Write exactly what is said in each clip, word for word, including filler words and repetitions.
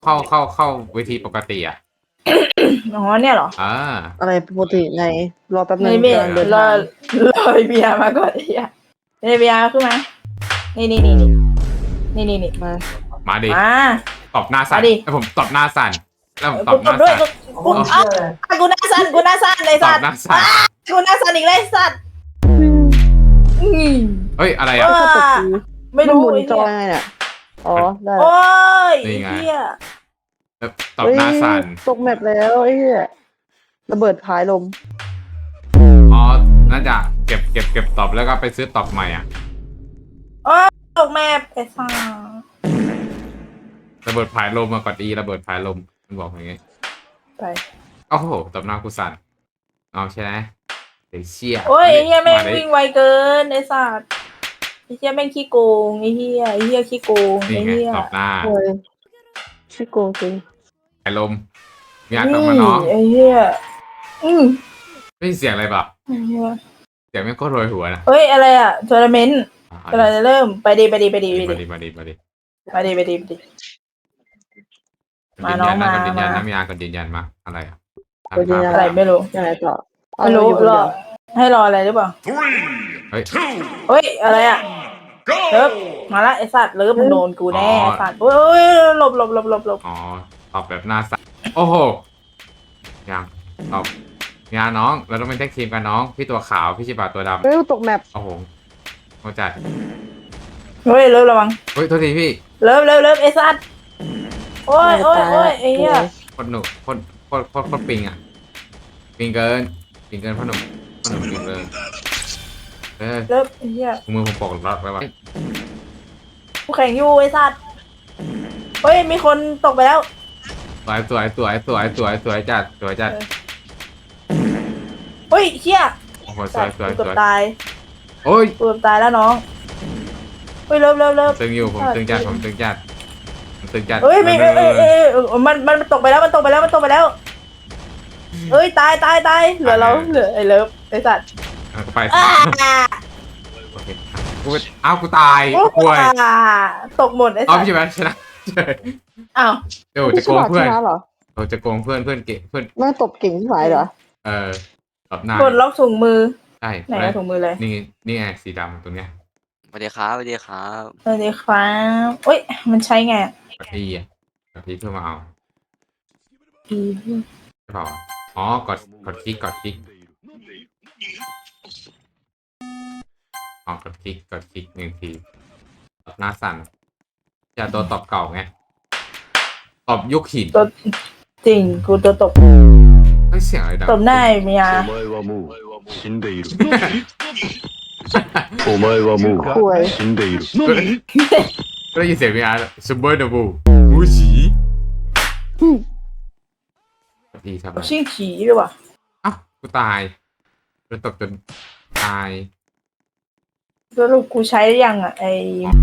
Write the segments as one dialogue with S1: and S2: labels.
S1: เข้าเข้าเข้าเวทีปกติอ่ะ
S2: อ๋อเนี่ยเหรอ
S1: อ่า
S3: อะไรปกติไงรอแป๊บนึ
S2: ไม่
S3: ง
S2: เบีย
S3: กำลังเดิน
S2: รอ
S3: ทาง
S2: รอเบียร์มาก่อนไอ้เหี้ยเบียร์ขึ้นมานี่นี่นี่นี่นี่นี่
S3: มา
S1: มาดิ
S2: มา
S1: ตบหน้าสั่น
S2: มาดิ
S1: แล้วผมตบหน้าสั่นแล้วผมต
S2: กู
S1: บห
S2: ต
S1: น้า
S2: บด้วย
S1: สั่น
S2: กูกูอ้าวกูหน้าสั่นกูหน้าสั่นเลย
S1: ต
S2: สั
S1: บ
S2: ตว์
S1: หน้าสั่น
S2: กูหน้าสั่นอีกเลยสัตว์อืม
S1: เฮ้ยอะไร
S2: เอ
S1: อ่ะ
S2: อ
S3: ตบที
S2: ไม่รู้
S3: นหมุน
S2: ไอ้
S3: จอ
S2: เหี้ย
S3: ยังไงเนี่ยอ๋อได้
S2: โอ้ย
S1: นี่ไง
S2: ไอ้เหี้ย
S1: ตบหน้าสั่น
S3: เฮ้ยตกแมปแล้วไอ้เหี้ยระเบิดพายลม
S1: อ๋อน่าจะเก็บเก็บเก็บตบแล้วก็ไปซื้อตบใหม่อ่ะ
S2: โอ้ยตกแมพไอ้สัส
S1: ระเบิดผายลมมากดอีระเบิดผายลมมันบอกอย่างงี้
S2: ไป
S1: โอ้โหตบหน้ากูสั่นเอาใช่ไหมเดี๋ยวเชี่ย
S2: โอ้ยไอ้เหี้ยแม่ง
S1: าดิ
S2: วิ่งไวเกินไอ้สัสไอ้เหี้ยแม่งขี้โกงไอ้เหี้ยไอ้เหี้ยขี้โกง
S1: นี่
S2: ไอ้
S1: ไง
S2: เหี้ย
S1: ตบหน้า
S3: โอ้ยชิโกงจริง
S1: ผายลมมีอากลับมาน้อง
S2: ไอ้เหี้ยอืม
S1: ไม่มีเสียงอะไรแบบ
S2: ไอ้เหี้ย
S1: เสียงไม่งโคตรโรยหัวนะ
S2: เฮ้ยอะไรอ่ะทัวร์นาเมนต์
S1: อ่ะ
S2: กำลังจะเริ่มไปดีไปดีไปดีไป
S1: มา
S2: ดี
S1: ดิมาดิมาดิ
S2: ไปดีไปดีไปดี มาน้อง
S1: ก
S2: มา
S1: ดยืนยันนะ
S2: มา
S1: กดยืนยันนะมีอากดยืนยันมาอะไรอ่ะ
S3: กดยืนยัน
S2: อะไรไม่รู้
S3: ยังไงต่อ
S2: ไม่รู้
S3: เอา
S2: ร
S3: เรา
S2: อ
S3: อยู่คนเดียว
S2: ให้รออะไรหรือเปล่า
S1: เฮ้ย
S2: เฮ้ยอะไรอ่ะเลิฟมาละไอ้สัตว์เลิฟมึงโดนกูแน่ไอ้สัตว์เฮ้ยหลบหลบหลบหลบหลบ
S1: อ๋อตอบแบบหน้าสั่นโอ้โหยังตอบงานน้องเราต้องเป็นแท็กทีมกันน้องพี่ตัวขาวพี่ชิบะตัวด
S3: เฮ้ยตกแมป
S1: ำโอ้โหเข้าใจ
S2: เฮ้ยเลิฟระวัง
S1: เฮ้ยโทษทีพี่
S2: เลิฟเลิฟเลิฟไอ้สัตว์โอ้ยโอ้ยโอ้ยไอ้เหี้ย
S1: คนหนุกคนคนคนคนปิงอ่ะปิงเกินปิงเกินพ่อหนุ่มพ่อหนุ่มปิงเกินเออ
S2: เลิฟไอ้เหี้ย
S1: มือผมปกล็อกแล้ววะ
S2: กูแข่งอยู่ไอ้สัตว์เฮ้ยมีคนตกไปแล้ว
S1: สวยสวยสวยสวยสวยสวยจัดสวยจัด
S2: เฮ้ยเชี่ย
S1: โอ้โหส
S2: สั
S1: ว
S2: ต
S1: ย
S2: ว์
S1: สวย
S2: กูเกื
S1: ส
S2: อบ
S1: วย
S2: ตาย
S1: โอ้ย
S2: กูเกือบตายแล้วน้องเฮ้ยเลิฟเลิฟเลิฟ
S1: ตึงอยู่ผมตึงจัดผมตึงจัดผมตึงจัด
S2: เฮ้ยไม่เอ้ยเอ้ยเอ้ยเอ้ยมันมันตกไปแล้วมันตกไปแล้วมันตกไปแล้วเอ้ยตายตายตายเหลือเราเหลือไอ้เลิฟไอ้สัตว์
S1: เอาไป
S2: อ้า
S1: โอเคกูอ้าวกูตาย
S2: โอ้
S1: ป่วย
S2: ตกหมดไอ้
S1: เอา
S2: สัต
S1: พี่
S2: ว์
S1: ใช่ไหมชนะ
S2: อ้าว
S1: เดี๋ยวจะโกงเพื่อน
S3: ชนะเหรอ
S1: เราจะโกงเพื่อนเพื่อนเก่งเพื่อน
S3: แม่งตบเก่งที่ไหนเหรอ
S1: เออตบหน้า
S2: กดล็อกถุงมือ
S1: ใช่
S2: ไหนอะถุงมือเลย
S1: นี่นี่ไงสีดำตรงเนี้ย
S4: สวัสดีครับสวัสดีครับ
S2: สวัสดีครับเอ้ยมันใช้ไงอะ
S1: กดอีอ่ะกดอีเพื่อมาเอา
S2: อี
S1: ใช่เปล่าอ๋อกดกดคลิกกดคลิกอ๋อกดคลิกกดคลิกหนึ่งทีตบหน้าสั่นจะโดนตบเก่าไงตบยุคหิน
S2: ตัวจริงกูตัวตก
S1: เฮ้ยเสียงอะไรดัง
S2: ตบหน้าไอ้เมีย
S5: お前はもう死んでいる。お前はもう
S3: ป่วย
S5: 死んでいる。
S1: ก็ได้ยินเสียงมีอาร์ซูเปอร์ดับเบิลบูชีดีทำไม
S2: ชิงผีด้วยว่ะ
S1: อ้าวกูตายโดนตบจนตาย
S2: สรุปกูใช้หรือยังอ่ะไอ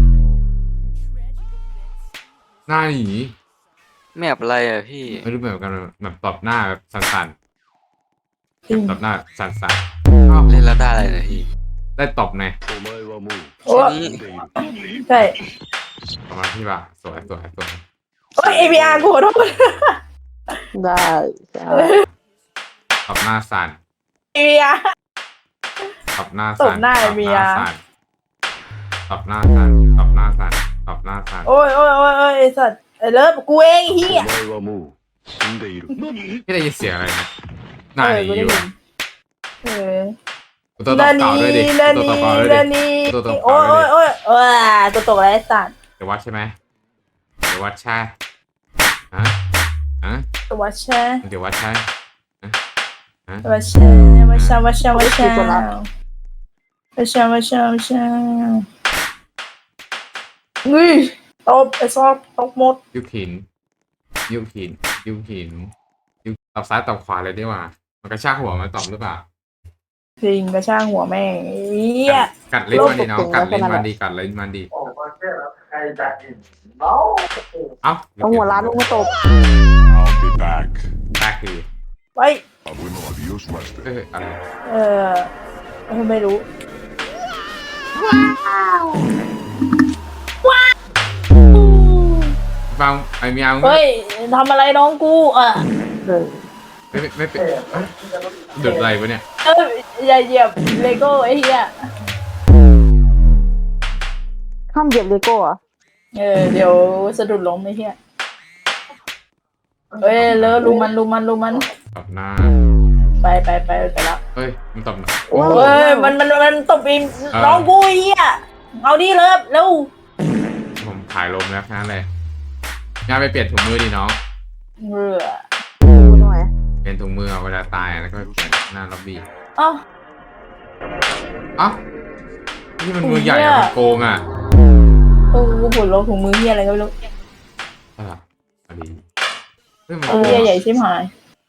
S1: หน้าหนี
S4: แมปอะไรอ่ะพี่
S1: ไม่รู้เหมือนกันแบบตบหน้าแบบสั่น
S2: จริง
S1: ๆตบหน้าสั่นๆอ้าว
S4: เล่นแล้วได้อะไรนะพี่
S1: ได้ตบไง
S5: お前はもう
S2: โอ้
S4: แค่นี้
S5: 死んでいる。
S2: ใช่
S1: ประมาณที่ว่าสวยสวยสวย
S2: โอ้ยเอพีอาร์กูขอโทษ
S3: ได้จ้า
S1: ตบหน้าสั่น
S2: เอพีอาร์
S1: ตบหน้า
S2: ต
S1: สั่
S2: บ
S1: น
S2: หน้าไอ้เมีย
S1: ตบหน้าสั่นตบหน้าสั่นตบหน้าสั่น
S2: โอ้ยโอ้ยโอ้ยโอ้ยไอสัตว์ไอเลิฟกูเองไอ้เฮีย
S5: お前はもう死んでいる。
S1: ไม่ได้ยินเสียงอะไรนะหน้า
S2: เอ
S1: ห
S2: อ
S1: นี
S2: กู
S1: อ
S2: ได้
S1: ยู่
S2: ยิ
S1: อะ
S2: นเออ
S1: กูตัวตบเก่าด้วยดิ
S2: นา
S1: ตัว
S2: นี
S1: ตบเก่าด้วย
S2: นา
S1: ดิ
S2: นี
S1: ตัวตบ
S2: โอ้
S1: เก่าย ด้วย
S2: โอ้ย
S1: ดิ
S2: โอ้ยเออตัวตกอะไรไอ้สัตว์
S1: เดี๋ยววัดใช่ไหมเดี๋ยววัดใช่ฮะฮะ
S2: ตัววัชชา
S1: เดี๋ยววัดใช่ฮะฮะ
S2: วัชชาวัชชาวัชชาวัชชาวัชชาวัชชาวัชชาเฮ้ยตบไอ้ซอกตบหมด
S1: ยุคหินยุคหินยุคหินยุคตบซ้ายตบขวาเลยดีกว่ามันกระชากหัวมันตบหรือเปล่า
S2: จริงกระช่างหัวแม่งเฮีย
S1: กัดลิ้นมันดีน้องกัดลิ้นมันดีกัดลิ้นมันดีเอ้า
S3: เอาหัวร้านลงมาตบ
S5: I'll be back.
S1: แรกคือ
S2: ไป
S5: 危のadios マスター。
S1: เอ้ยอะไร
S2: เออเออไม่รู้ว้าวว้าว
S1: บางไอ้เมียมึง
S2: เฮ้ยทำอะไรน้องกูอ่ะ
S3: เออ
S1: ไม่ไม่ไม่เป็นดุดอะไรวะเนี่ย
S2: เอ้ยอย่าเหยียบเลโก้ไอ้เหี้ย
S3: ห้ามเหยียบเลโก้อะ
S2: เออเดี๋ยวสะดุดล้มไอ้เหี้ยเฮ้ยเลอะลุมมันลุมมันลุมมัน
S1: ตบหน้า
S2: ไปไปไปไปแล้ว
S1: เฮ้ยมันตบหน้า
S3: โอ้
S2: เฮ้ยมันมันมันตบอีน้องกูไอ้เหี้ยเอาดิเลิฟเร็ว
S1: ผมถ่ายลมแล้วแค่นั้นเลยงานไปเปลี่ยนถุงมือดิน้อง
S2: เรือ
S3: ดูหน่อย
S1: เปลี่ยนถุงมือเอาเวลาตายแล้วก็ไปเปลี่ยนหน้าล็อบบี้
S2: เอ้า
S1: เอ้านี่มันมือใหญ่อะมันโกงอ่ะ
S2: เออกูปวดลงถุงมือเหี้ยอะไรก็ไม่รู้
S1: อ่ะพอดีเฮ้ยมัน
S2: เอ
S1: โก
S2: อง เหี้ยใหญ่
S1: อะ
S2: ชิบหาย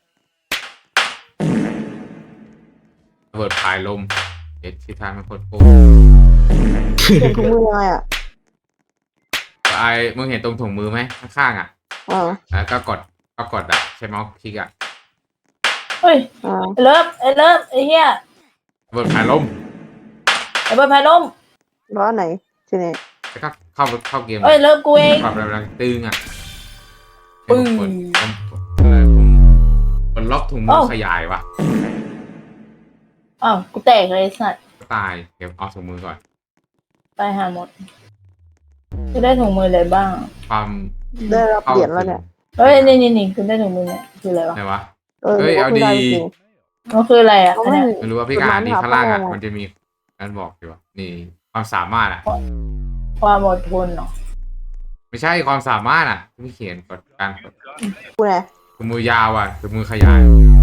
S1: ระเบิดพายลมเอ็ดที่ทางมันโคตรโกง
S3: เปลี่ยนถุงมือยังไงอ่ะ
S1: ไอ้มึงเห็นตรงถุงมือไหมข้างๆอ่ะ
S3: อ่า
S1: แล้วก็กดก็กดอ่ะใช้เมาส์คลิกอ่ะ
S2: เฮ้ย
S3: อ่า
S2: ไอ้เลิฟไอ้เลิฟไอ้เหี้ย
S1: ระเบิดพายลม
S2: ไอ้เบิร์ดพายลม
S3: แล้วอันไหนทีนี้
S1: แล้วก็เข้าเข้าเกม
S2: เอ้ยเลิฟกูเอง
S1: ปรับระดับตึงอ่ะ
S2: ปึ้ง
S1: ผมกดผมอะไรผมกดล็อกถุงมือ
S2: เอ้า
S1: ขยายว่ะ
S2: อ้าวกูแตกเลยไอ้สัตว์
S1: ก็ตายเดี๋ยวเอาถุงมือก่อน
S2: ตายหาหมดจะได้ถุงมืออะไรบ้าง
S1: ความ
S3: ได้รับเหรียญแล้วเนี่ย
S2: เฮ้ยนี่นี่นี่คุณได้ถุงมือเนี่ยคืออะไรวะ
S1: ไหนวะ
S3: เออ
S1: เฮ้ย
S3: ก็
S1: เอา
S3: คือ
S1: ดี
S3: ได้จริง
S2: มันคืออะไรอ่ะ
S3: เขา
S2: อัน
S3: ไม่
S2: เนี้ย
S1: ไม่รู้ว่าพี่การดีข้างล่างอ่ะ
S3: จดหมายหาพ่อ
S1: มันจะมีการบอกอยู่ว่านี่ความสามารถอ่ะ
S2: ความอดทนเนาะ
S1: ไม่ใช่ความสามารถอ่ะที่เขียนกดการกด
S3: กูไง
S1: ถุงมือยาวอ่ะถุงมือขยาย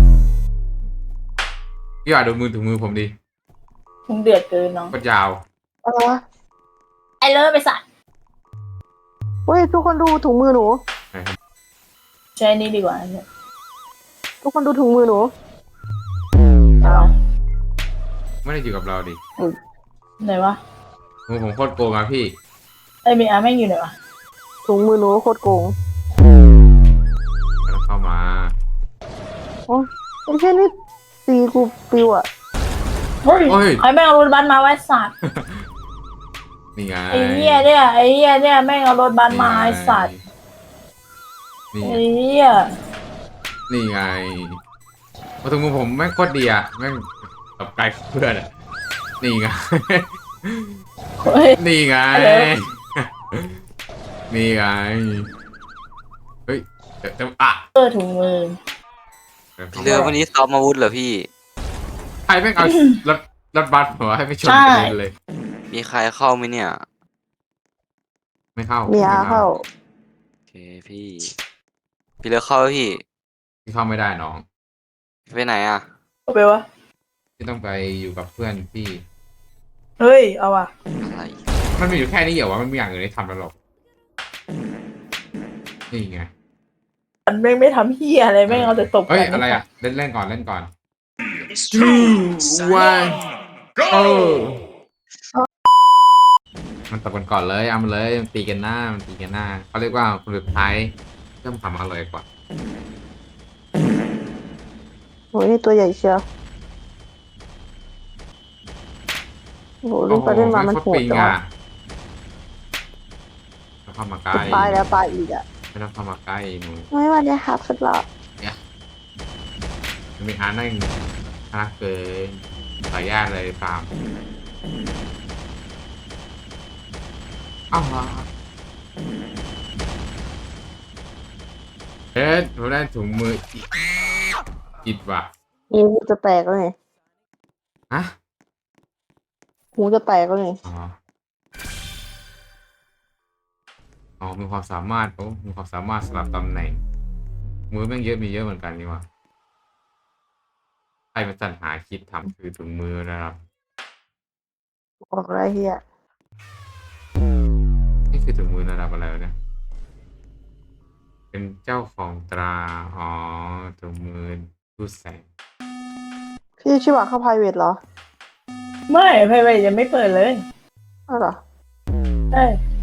S1: พี่ว่าดูมือถุงมือผมดิ
S2: มึงเดือดเกินเนาะ
S1: กดยาว
S3: อะไรวะ
S2: ไอ้เลิฟไปสัตว์
S3: เฮ้ยทุกคนดูถุงมือหนู
S2: ใช้นี่ดีกว่าเนี่ย
S3: ทุกคนดูถุงมือหนู
S2: เอา
S1: ไม่ได้อยู่กับเราดิ
S2: ไหนวะ
S1: มือผมโคตรโกงอ่ะพี่
S2: ไอ้มีอาแม่งอยู่ไหนวะ
S3: ถุงมือหนูโคตรโกง
S1: ไม่ต้องเข้ามา
S3: โอ้ยไอ้เช่นนี่ตีกูปิวอ่ะ
S2: เฮ้ย
S1: โอ้ย
S2: ใครแม่งเอารถบัสมาไว้สัตว์
S1: นี่ไง
S2: ไอ้เหี้ยเนี่ยไอ้เหี้ยเนี่ยแม่งเอารถบัสมาไอ้สัตว์
S1: นี่ไง
S2: ไอ้เหี้ย
S1: นี่ไงพอถุงมือผมแม่งโคตรดีอ่ะแม่งกับไกลเพื่อนอ่ะนี่ไง
S2: เฮ้ย
S1: นี่ไง
S2: อะไรวะ
S1: นี่ไง เฮ้ยเดี๋ยวจะอ่ะ
S2: เออถุงมือ
S4: เรือวันนี้ซ้อมอาวุธเหรอพี่
S1: ใครแม่งเอารถรถบัสหัวให้ไปชน
S2: ใช่
S1: กระเด็นเลย
S4: มีใครเข้าไหมเนี่ย
S1: ไม่เข้า
S3: มีอาเข้า
S4: โอเคพี่ พี่เลือกเข้าไหมพี่
S1: ที่เข้าไม่ได้น้อง
S4: ไปไหนอ่ะ
S2: เอาไปวะ
S1: ที่ต้องไปอยู่กับเพื่อนพี่
S2: เฮ้ยเอาว่ะ
S4: อะไร
S1: มันมีอยู่แค่นี้เหรอวะมันมีอย่างอื่นให้ทำแล้วหรอกนี่ไง
S2: มันแม่งไม่ทำเหี้ยอะไรแม่งเอาแต่ตบกั
S1: เฮ้ย
S2: น
S1: อะไรอ่ะเล่นเล่นก่อนเล่นก่อน two one go มันตบกันก่อนเลยเอามาเลยมันตีกันหน้ามันตีกันหน้าเขาเรียกว่าคนสุดท้ายเริ่มทำอร่อยกว่า
S3: โอ้ยนี่ตัวใหญ่เชียวโอ้โหเล่นไปเล่นมามันโหด
S1: ไโคตรปิง
S3: จัง
S1: อ่ะ
S3: วะ
S1: ต้องเข้ามาใกล้
S3: จะตายแล้วตายอีกอ่ะ
S1: ไม่ต้องเข้ามาใกล้หนู
S3: ไม่ว่าจะหักสุดละ
S1: มันมีอาร์นั่งน่ารักเกินสายญาติเลยฟาร์มอ้าวเอ๊ะผมได้ถุงมืออิอิดว่ะ
S3: หูจะแตกแล้วไง
S1: ฮะ
S3: หูจะแตกแล้วไง
S1: อ๋ออ๋อมีความสามารถโอ้มีความสามารถสลับตำแหน่งมือแม่งเยอะมีเยอะเหมือนกันนี่ว่ะใครมาสรรหาคิดทำคือถุงมือนะครับ
S3: ออกอะไรเฮีย
S1: นี่คือถุงมือระดับอะไรวะเนี่ย เป็นเจ้าของตรา อ๋อถุงมือรูดแสง
S3: พี่ชิวะเข้า private เหรอ
S2: ไม่ไพไวยังไม่เปิดเลย
S3: อ้าวเหรอ
S2: เอ้ย